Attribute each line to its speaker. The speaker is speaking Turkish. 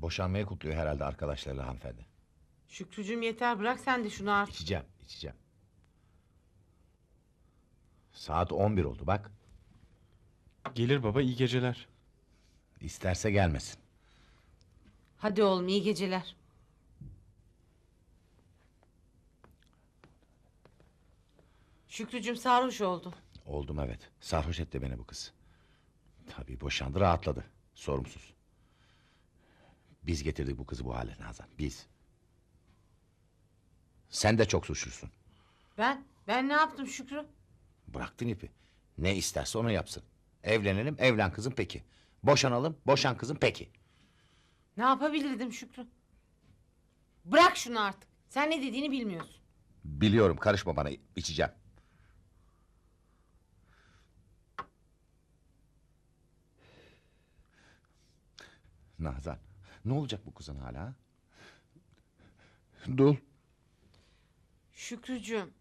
Speaker 1: Boşanmayı kutluyor herhalde arkadaşlarıyla hanımefendi.
Speaker 2: Şükrücüğüm yeter, bırak sen de şunu artık.
Speaker 1: İçeceğim. Saat 11 oldu bak.
Speaker 3: Gelir baba, iyi geceler.
Speaker 1: İsterse gelmesin.
Speaker 2: Hadi oğlum, iyi geceler. Şükrücüğüm sarhoş oldu.
Speaker 1: Oldum evet. Sarhoş etti beni bu kız. Tabii boşandı, rahatladı. Sorumsuz. Biz getirdik bu kızı bu hale Nazan. Biz. Sen de çok suçlusun.
Speaker 2: Ben ne yaptım Şükrü?
Speaker 1: Bıraktın ipi. Ne isterse onu yapsın. Evlenelim, evlen kızım peki. Boşanalım, boşan kızım peki.
Speaker 2: Ne yapabilirdim Şükrü? Bırak şunu artık. Sen ne dediğini bilmiyorsun.
Speaker 1: Biliyorum, karışma bana, içeceğim. Nazan, ne olacak bu kızın hala? Ha? Dul.
Speaker 2: Şükrücüğüm,